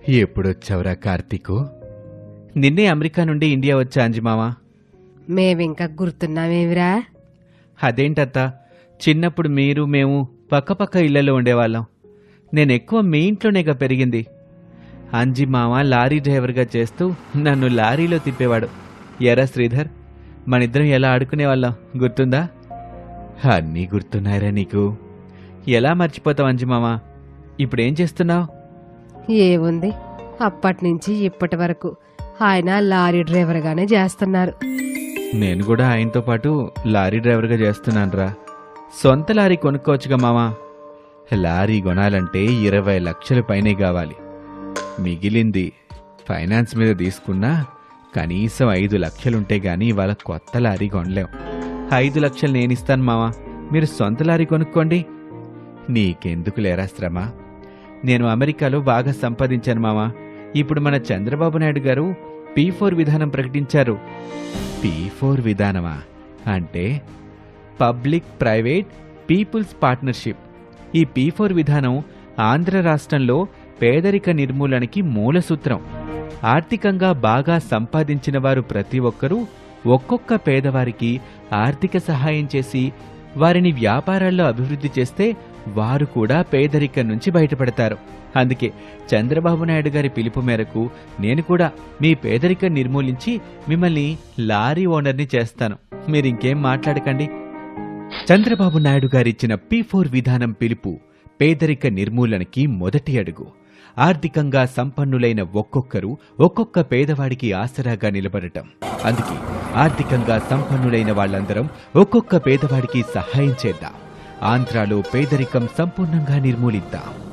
ఎప్పుడొచ్చావురా కార్తీకు? నిన్నే అమెరికా నుండి ఇండియా వచ్చా అంజిమావా. మేమింకా గుర్తున్నామేమిరా? అదేంటత్తా, చిన్నప్పుడు మీరు మేము పక్కపక్క ఇళ్లలో ఉండేవాళ్ళం. నేనెక్కువ మీ ఇంట్లోనేగా పెరిగింది. అంజిమామ లారీ డ్రైవర్గా చేస్తూ నన్ను లారీలో తిప్పేవాడు. ఎరా శ్రీధర్, మనిద్దరం ఎలా ఆడుకునేవాళ్ళం గుర్తుందా? అన్నీ గుర్తున్నాయిరా నీకు. ఎలా మర్చిపోతావు అంజిమామ? ఇప్పుడేం చేస్తున్నావు? ఏముంది, అప్పటినుంచి ఇప్పటి వరకు ఆయన లారీ డ్రైవర్గానే చేస్తున్నారు. నేను కూడా ఆయనతో పాటు లారీ డ్రైవర్గా చేస్తున్నానురా. సొంత లారీ కొనుక్కోవచ్చుగా మామా. లారీ కొనాలంటే 20 లక్షల పైనే కావాలి. మిగిలింది ఫైనాన్స్ మీద తీసుకున్నా కనీసం 5 లక్షలుంటే గానీ ఇవాళ కొత్త లారీ కొనలేం. 5 లక్షలు నేనిస్తాను మామా, మీరు సొంత లారీ కొనుక్కోండి. నీకెందుకు లేరా శ్రమ? నేను అమెరికాలో బాగా సంపాదించాను మామా. ఇప్పుడు మన చంద్రబాబు నాయుడు గారు P4 విధానం ప్రకటించారు. P4 విధానమా? అంటే పబ్లిక్ ప్రైవేట్ పీపుల్స్ పార్ట్నర్షిప్. ఈ P4 విధానం ఆంధ్ర రాష్ట్రంలో పేదరిక నిర్మూలనకి మూల సూత్రం. ఆర్థికంగా బాగా సంపాదించిన వారు ప్రతి ఒక్కరూ ఒక్కొక్క పేదవారికి ఆర్థిక సహాయం చేసి వారిని వ్యాపారాల్లో అభివృద్ధి చేస్తే వారు కూడా పేదరికం నుంచి బయటపడతారు. అందుకే చంద్రబాబు నాయుడు గారి పిలుపు మేరకు నేను కూడా మీ పేదరికం నిర్మూలించి మిమ్మల్ని లారీ ఓనర్ని చేస్తాను. మీరింకేం మాట్లాడకండి. చంద్రబాబు నాయుడు గారిచ్చిన P4 విధానం పిలుపు పేదరిక నిర్మూలనకి మొదటి అడుగు. ఆర్థికంగా సంపన్నులైన ఒక్కొక్కరు ఒక్కొక్క పేదవాడికి ఆసరాగా నిలబడటం. అందుకే ఆర్థికంగా సంపన్నులైన వాళ్ళందరం ఒక్కొక్క పేదవాడికి సహాయం చేద్దాం. ఆంధ్రాలో పేదరికం సంపూర్ణంగా నిర్మూలిద్దాం.